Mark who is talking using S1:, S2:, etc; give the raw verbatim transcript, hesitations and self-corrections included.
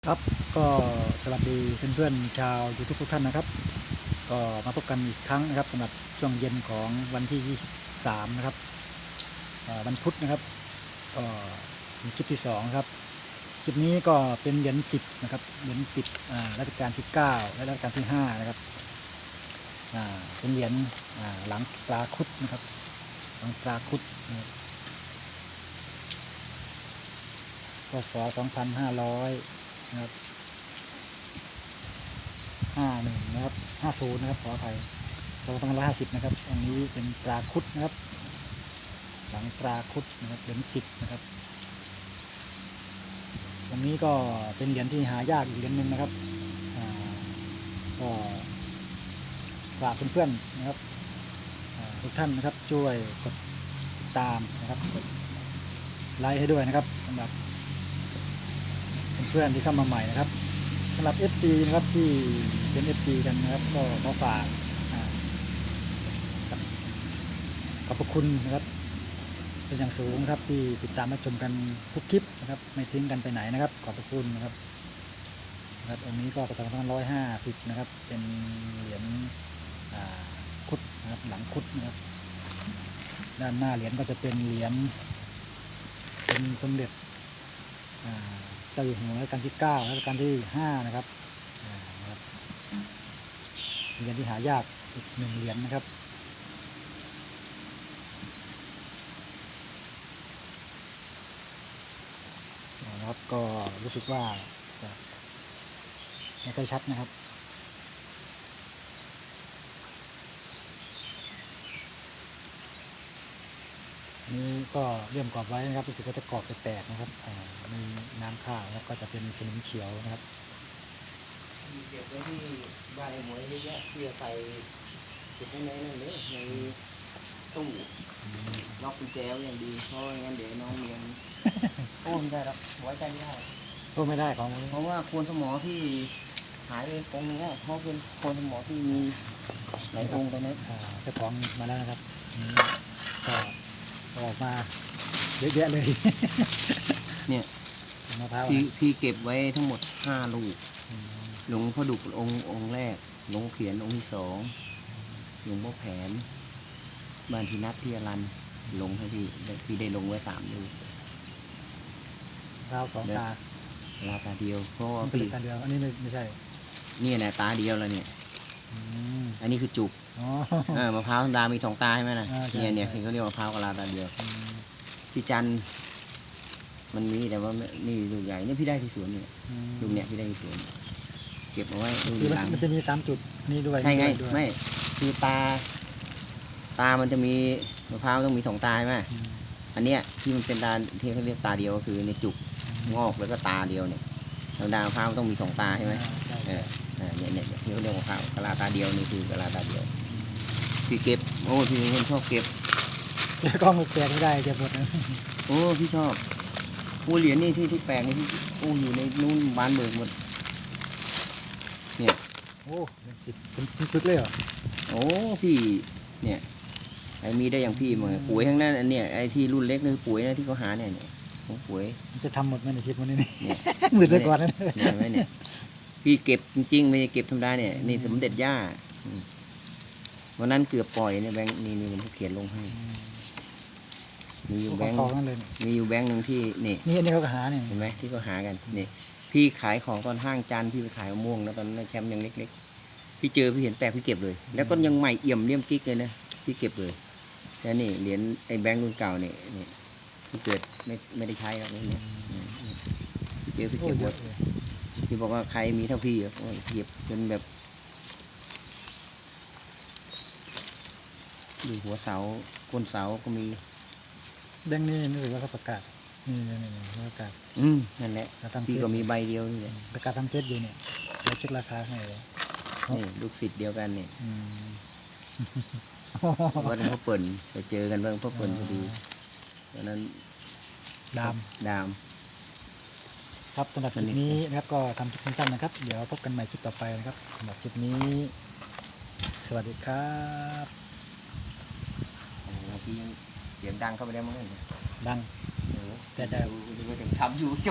S1: ครับก็สวัสดีเพื่อนๆชาวยูทูบทุกท่านนะครับก็มาพบกันอีกครั้งนะครับสำหรับช่วงเย็นของวันที่ยี่สิบสามนะครับวันพุธนะครับก็เป็นคลิปที่สองครับคลิปนี้ก็เป็นเหรียญสิบนะครับเหรียญสิบรัชกาลที่เก้าและรัชกาลที่ห้านะครับเป็นเหรียญหลังปลาคุดนะครับหลังปลาคุดนะครับพศสองพันห้าร้อยนะครับห้าหนึ่งนะครับห้าศูนย์นะครับขออภัยสองพันห้าร้อยห้าสิบนะครับอันนี้เป็นปลาคุดนะครับหลังปลาคุดนะครับเหรียญสิบนะครับตรงนี้ก็เป็นเหรียญที่หายากอีกเหรียญหนึ่งนะครับก็ฝากเพื่อนๆนะครับทุกท่านนะครับช่วยกดติดตามนะครับกดไลค์ให้ด้วยนะครับสำหรับเพื่อนๆที่เข้ามาใหม่นะครับสำหรับ เอฟ ซี นะครับที่เป็น เอฟ ซี กันนะครับก็ขอฝากขอบพระคุณนะครับเป็นอย่างสูงครับที่ติดตามรับชมกันทุกคลิปนะครับไม่ทิ้งกันไปไหนนะครับขอบพระคุณนะครับนะครับอันนี้ก็ประมาณสองพันห้าร้อยห้าสิบนะครับเป็นเหรียญคุดนะครับหลังคุดนะครับด้านหน้าเหรียญก็จะเป็นเหรียญเป็นสมเด็จเจ้าอยู่หัวรัชกาลที่เก้ารัชกาลที่ห้านะครับเหรียญที่หายากอีกหนึ่งเหรียญนะครับนะครับก็รู้สึกว่าจะไม่ค่อยชัดนะครับนี้ก็เลี่ยมกรอบไว้นะครับรู้สึกว่าจะกรอบจะแตกนะครับมีน้ำข้าวแล้วก็จะเป็นสนิมเขียวนะครับ
S2: เก็บไว้ที่บ้านไอ้หมวยเยอะแยะเพื่อใส่เก็บไว้ในนั่นเลยในตู้ล็อกกุญแจไว้อย่างดีเพราะงั้นเดี๋ยวน้องเมียนโอ้ไม่ได้หรอกไว้ใจไม่ได้
S1: โอ้ไม่ได้ของ
S2: เพราะว่าโคนสมอที่หายไปองค์นึงเพราะเป็นโคนสมอที่มีหลายองค์ไปนะ
S1: เจ้าของมาแล้วนะครับก็ออกมาเยอะแยะเลย
S2: เนี่ยพี่พี่เก็บไว้ทั้งหมดห้าลูกหลวงพ่อดุกองค์องค์แรกหลวงเขียนองค์ที่สองหลวงพ่อแผนบ้านที่นัดที่อรันลงให้พี่พี่ได้ลงไว้สามลูก
S1: ราวสองตา
S2: ลาตาเดียวเพราะว่า
S1: พี่ตาเดียวอันนี้ไม่ไม่ใช่
S2: นี่นะตาเดียวแล้วเนี่ยอันนี้คือจุกมะพร้าวธรรมดามีสองตาใช่ไหมนะเนี่ยเนี่ยเขาเรียกมะพร้าวกับลาตาเดียวพี่จันมันมีแต่ว่านี่ลูกใหญ่นี่พี่ได้ที่สวนเนี่ยลูกเนี่ยพี่ได้ที่สวนเก็บเอาไว้ดูหลัง
S1: มันจะมีสามจุดนี่ด้วย
S2: ใช่ไงไม่คือตาตามันจะมีมะพร้าวต้องมีสองตาใช่ไหมอันเนี้ยที่มันเป็นตาที่เขาเรียกตาเดียวก็คือในจุกงอกแล้วก็ตาเดียวเนี่ยธรรมดามะพร้าวต้องมีสองตาใช่ไหมเออเนี่ยเนี่ยที่เขาเรียกมะพร้าวกะลาตาเดียวนี่คือกะลาตาเดียวพี่เก็บโอ้พี่คนชอบเก็บ
S1: แกกล้องแปลกไม่ได้เก็บหมดนะ
S2: โอ้พี่ชอบโอ้เหรียญนี่ที่ที่แปลกนี่ที่โอ้อยู่ในนู้นบ้านเบิกหมดเนี่ย
S1: โอ้เป็นสิบเป็นชุดเลยเหรอ
S2: โอ้พี่เนี่ยไอ้มีได้อย่างพี่มั้งปุ๋ยทั้งนั้นอันเนี้ยไอ้ที่รุ่นเล็กนี่ปุ๋ยนะที่เขาหาเนี่ยเนี่ยของปุ๋ย
S1: จะทำหมดไหมในชีวิตวันนี้เนี่ยหมื่นเลยก่อนนะ
S2: เนี่ยไม่เนี่ยพี่เก็บจริงๆไม่ได้เก็บธรรมดาเนี่ยนี่สมเด็จย่าวันนั้นเกือบปล่อยเนี่ยแบงค์นี่นี่ผมเขียนลงให้มีอยู่แบงค์มีอยู่แบงค์หนึ่งที่นี่
S1: นี่อันนี้เขาหาเนี่ย
S2: เห็นไหมที่เขาหากันนี่พี่ขายของตอนห้างจานพี่ไปขายมะม่วงแล้วตอนนั้นแชมป์ยังเล็กๆพี่เจอพี่เห็นแปลกพี่เก็บเลยแล้วก็ยังใหม่เอี่ยมเลี่ยมกิ๊กเลยนะพี่เก็บเลยแล้วนี่เหรียญไอ้แบงค์รุ่นเก่าเนี่ยนี่พี่เกิดไม่ไม่ได้ใช้แล้วเนี่ยพี่เจอพี่เก็บหมดพี่บอกว่าใครมีเท่าพี่เก็บจนแบบดูหัวเสาก้นเสาก็มี
S1: แบงค์นี่นึกว่าเขาประกาศนี่นี่นี่ประกาศ
S2: อืมนั่นแหละพี่ก็มีใบเดียวนี่แหละ
S1: ประกาศทำเฟซอยู่เนี่ยเราเช็คราคาให้เลย
S2: นี่ลูกศิษย์เดียวกันเนี่ยวันพ่อเปิ่นไปเจอกันเบื้องพ่อเปิ่นพอดีตอนนั้น
S1: ดาม
S2: ดาม
S1: ครับสำหรับคลิปนี้นะครับก็ทำคลิปสั้นๆนะครับเดี๋ยวพบกันใหม่คลิปต่อไปนะครับสำหรับคลิปนี้สวัสดีครับ
S2: พี่เสียงดังเข้าไปได้มั้งเนี่ย
S1: ดัง
S2: แต่จะทำอยู่